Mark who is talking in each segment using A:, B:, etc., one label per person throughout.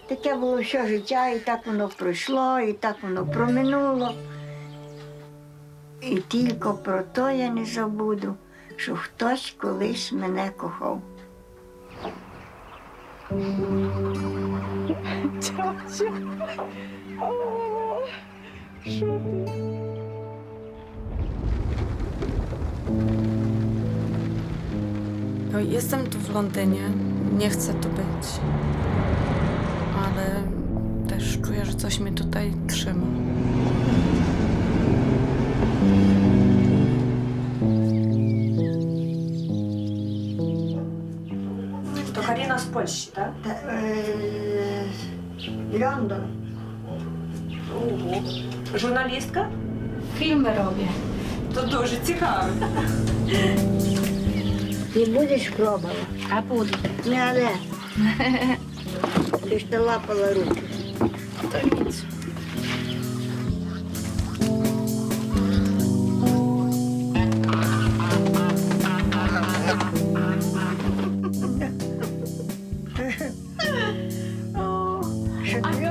A: Таке було все життя, і так воно пройшло, і так воно проминуло. І тільки про те я не забуду, що хтось колись мене кохав.
B: Тьотя. О, що ти?
C: Jestem tu w Londynie, nie chcę tu być, ale też czuję, że coś mnie tutaj trzyma.
B: To Karina z Polski, tak?
A: Лондон.
B: Ого. Журналістка?
C: Filmy robię.
B: То дуже цікаво.
A: Ти будеш пробувати?
C: A budu.
A: Не, але. Ти ж ти лапала руки.
C: To nic.
A: Що ти?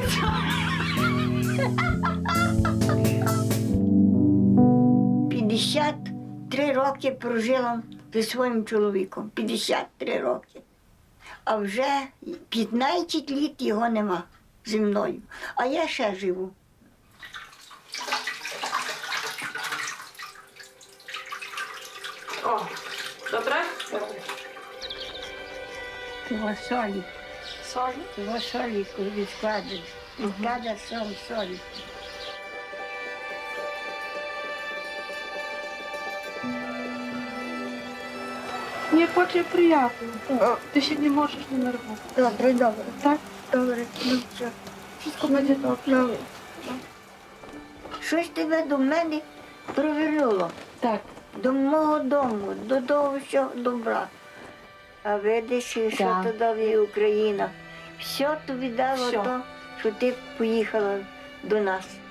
A: 53 роки прожила зі своїм чоловіком. 53 роки. А вже 15 літ його нема зі мною. А я ще живу.
B: О, добре?
A: Того солі.
B: Солі?
A: Того солі відкладеш. Відкладеш солі.
D: Мне очень приятно. Ты ще не можеш не нервувати.
A: Добре, добре.
D: Так?
A: Добре, ну все.
D: Wszystko będzie dobrze.
A: Ну, щось тебе до мене привернуло.
D: Так.
A: До мого дому, до того всього добра. А видиш, що
D: Да.
A: то дала Україна. Все тобі дало
D: Всьо.
A: то, що ти поїхала до нас.